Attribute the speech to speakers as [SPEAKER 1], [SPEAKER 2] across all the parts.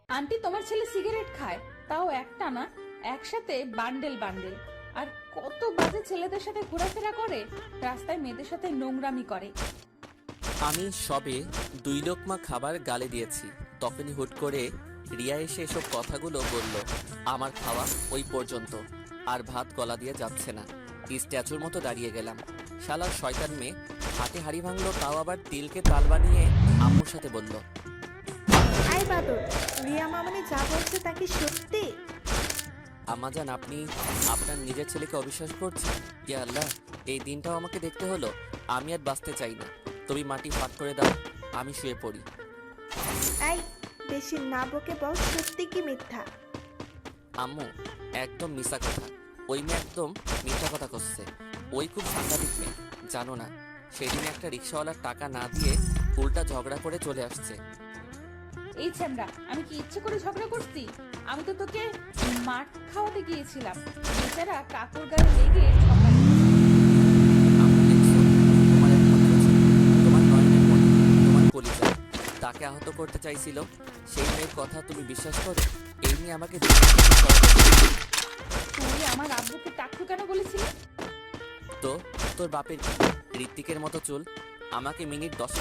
[SPEAKER 1] Aunty তোমার ছেলে cigarette খায়, তাও একটা না, একসাথে বান্ডেল বান্ডেল। আর কত বাজে ছেলেদের সাথে ঘোরাফেরা করে, রাস্তায় মেয়েদের সাথে নোংরামি করে।
[SPEAKER 2] আমি সবে 2 লোকমা খাবার গালে দিয়েছি, তখনই হুট করে রিয়া এসে এসব কথাগুলো বলল। আমার খাওয়া ওই পর্যন্ত, আর ভাত গলা দিয়ে যাচ্ছে না। স্ট্যাচুর মতো দাঁড়িয়ে গেলাম। শালার শয়তান মেয়ে হাতে হাড়ি ভাঙলো, তাও আবার তিলকে তাল বানিয়ে আম্মুর সাথে বলল।
[SPEAKER 3] আই বাদর, রিয়া মামনি যা বলছে তা কি সত্যি?
[SPEAKER 2] আম্মাজান, আপনি আপনার নিজের ছেলেকে অবিশ্বাস করছেন? ইয়া আল্লাহ, এই দিনটাও আমাকে দেখতে হলো। আমি আর বাঁচতে চাই না। তুমি মাটি ফাঁক করে দাও, আমি শুয়ে পড়ি।
[SPEAKER 3] এই বেশি না বকে বল, সত্যি কি মিথ্যা?
[SPEAKER 2] আম্মু, একদম মিশা কথা। ওই মেয়ে একদম মিথ্যা কথা করছে। ওই খুব সাংঘাতিক মেয়ে, জানো না? সেদিন একটা রিক্সাওয়ালার টাকা না দিয়ে উল্টা ঝগড়া করে চলে আসছে।
[SPEAKER 1] এই ছ্যামড়া, আমি কি ইচ্ছে করে ঝগড়া করছি? আমি তো তোকে মাঠ খাওয়াতে গিয়েছিলাম, বেচারা কাকুর গায়ে লেগে ঝগড়া করেছে।
[SPEAKER 2] আম্মু, দেখছো? তোমার একমাত্র ছেলে, তোমার নয়নের মণি, তোমার কলিজা, তাকে আহত করতে চাইছিল। সেই মেয়ের কথা তুমি বিশ্বাস করো? এই নিয়ে আমাকে দুনিয়া থেকে সরাতে চেয়েছে।
[SPEAKER 1] তুই আমার আব্বুকে টাকটু কেন বলেছিলি?
[SPEAKER 2] তো তোর বাপের কি ঋত্বিকের মতো চুল? আমাকে মিনিট 10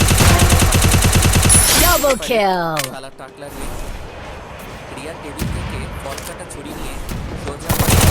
[SPEAKER 4] Double kill!
[SPEAKER 2] শালা টাকলা মেয়ে। রিয়া টেবিল থেকে পটকাটা ছুরি নিয়ে সোজা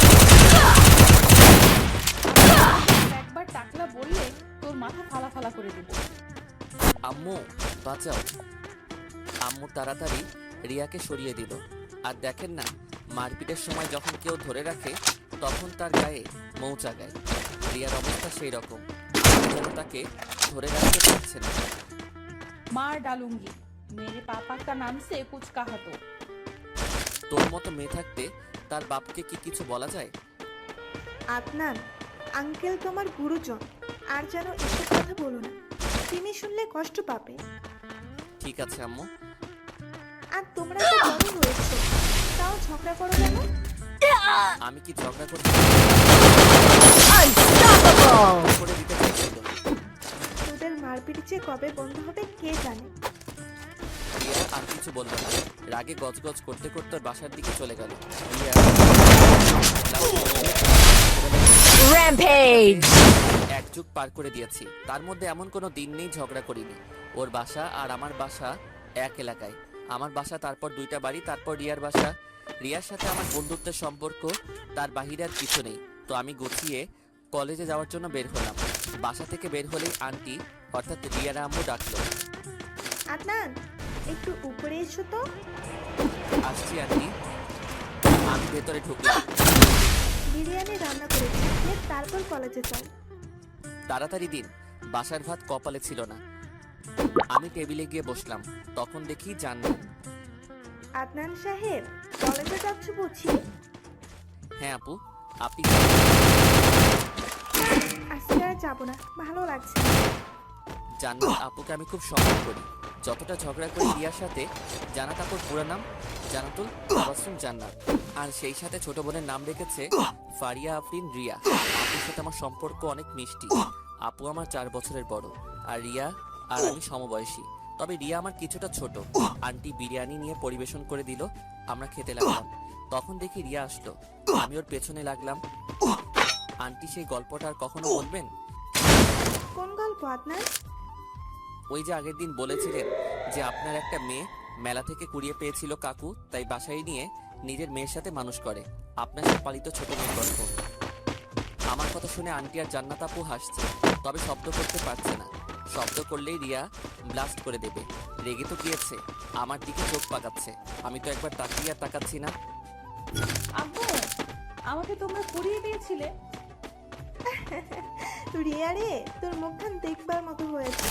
[SPEAKER 1] একবার টাকলা বললে তোর মাথা ফালা ফালা করে দেবো।
[SPEAKER 2] আম্মু বাঁচাও। আম্মু তাড়াতাড়ি রিয়াকে সরিয়ে দিল। আর দেখেন না, মারপিটের সময় যখন কেউ ধরে রাখে তখন তার গায়ে মৌচা গায়। রিয়ার অবস্থা সেই রকম, যেন তাকে ধরে রাখতে পারছে না।
[SPEAKER 1] मार डालूंगी, मेरे पापा का नाम से कुछ कहा तो।
[SPEAKER 2] তোর মতো মেয়ে থাকতে তার বাপকে কি কিছু বলা যায়?
[SPEAKER 3] আদনান আঙ্কেল তোমার গুরুজন, আর যেন এসব কথা বলো না, তিনি শুনলে কষ্ট পাবে।
[SPEAKER 2] ঠিক আছে আম্মু।
[SPEAKER 3] আর তোমরা তো বড় হয়েছো, তাও ঝগড়া করো কেন?
[SPEAKER 2] আমি কি ঝগড়া করতে
[SPEAKER 4] Unstoppable!
[SPEAKER 2] করে দিতে চাইছিল?
[SPEAKER 3] তোদের মারপিট যে কবে বন্ধ হবে কে জানে।
[SPEAKER 2] রিয়া আর কিছু বলল না, রাগে গজগজ করতে করতে ওর বাসার দিকে চলে গেল। রিয়া
[SPEAKER 4] Rampage!
[SPEAKER 2] এক যুগ পার করে দিয়েছি, তার মধ্যে এমন কোনো দিন নেই ঝগড়া করিনি। ওর বাসা আর আমার বাসা এক এলাকায়। আমার বাসা, তারপর 2টা বাড়ি, তারপর রিয়ার বাসা। রিয়ার সাথে আমার বন্ধুত্বের সম্পর্ক, তার বাহিরে আর কিছু নেই। তো আমি গুছিয়ে কলেজে যাওয়ার জন্য বের হলাম। বাসা থেকে বের হলেই আন্টি অর্থাৎ রিয়ার আম্মু ডাকলো।
[SPEAKER 3] আদনান একটু উপরে এসো তো।
[SPEAKER 2] আসছি আন্টি। আমি ভেতরে ঢুকলাম।
[SPEAKER 3] বিরিয়ানি রান্না করেছি, তারপর কলেজে যাও।
[SPEAKER 2] তাড়াতাড়ি দিন, বাসার ভাত কপালে ছিল না। আমি টেবিলে গিয়ে বসলাম, তখন দেখি জান্নাত।
[SPEAKER 3] আদনান সাহেব কলেজে যাচ্ছ বুঝি?
[SPEAKER 2] হ্যাঁ আপু, আপনি?
[SPEAKER 3] আজকে আর যাবো না, ভালো লাগছে না।
[SPEAKER 2] জান্নাত আপুকে আমি খুব সম্মান করি। যতটা ঝগড়া করি রিয়ার সাথে, জান্নাত আপুর পুরো নাম জান্নাতুল তাবাসসুম জান্নাত, আর সেই সাথে ছোট বোনের নাম রেখেছে ফারিয়া আফরিন রিয়া। আপুর সাথে আমার সম্পর্ক অনেক মিষ্টি। আপু আমার 4 বছরের বড়, আর রিয়া আর আমি সমবয়সী। তবে রিয়া আমার কিছুটা ছোট। আন্টি বিরিয়ানি নিয়ে পরিবেশন করে দিল, আমরা খেতে লাগলাম। তখন দেখি রিয়া আসলো, আমি ওর পেছনে লাগলাম। আন্টি সেই গল্পটা আর কখনো বলবেন?
[SPEAKER 3] কোন গল্প আদনান?
[SPEAKER 2] ওই যে আগের দিন বলেছিলেন যে আপনার একটা মেয়ে মেলা থেকে কুড়িয়ে পেয়েছিল কাকু, তাই বাসায় নিয়ে নিজের মেয়ের সাথে মানুষ করে। আপনার সে পালিত ছোট মেয়ের গল্প। আমার কথা শুনে আন্টি আর জান্নাত আপু হাসছে, তবে শব্দ করতে পারছে না। শব্দ করলেই রিয়া ব্লাস্ট করে দেবে। রেগে তো গিয়েছে, আমার দিকে চোখ পাকাচ্ছে। আমি তো একবার তাকিয়ে আর তাকাচ্ছি না।
[SPEAKER 1] আব্বু, আমাকে তোমরা পুড়িয়ে দিয়েছিলে।
[SPEAKER 3] রিয়া রে, তোর মুখখান দেখবার মতো হয়েছে।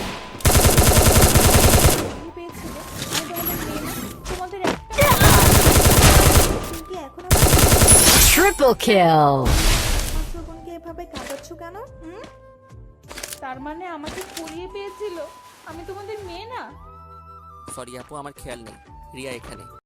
[SPEAKER 1] পুড়িয়ে পেয়েছিলে, আমি তোমাদের মেয়ে না? তোমাদের একটা
[SPEAKER 3] তুমি কি এখন
[SPEAKER 4] Triple kill!
[SPEAKER 3] আমার বোনকে এভাবে কাঁদাচ্ছ কেন?
[SPEAKER 1] তার মানে আমাকে পুড়িয়ে পেয়েছিল, আমি তোমাদের মেয়ে না?
[SPEAKER 2] সরি আপু, আমার খেয়াল নেই রিয়া এখানে।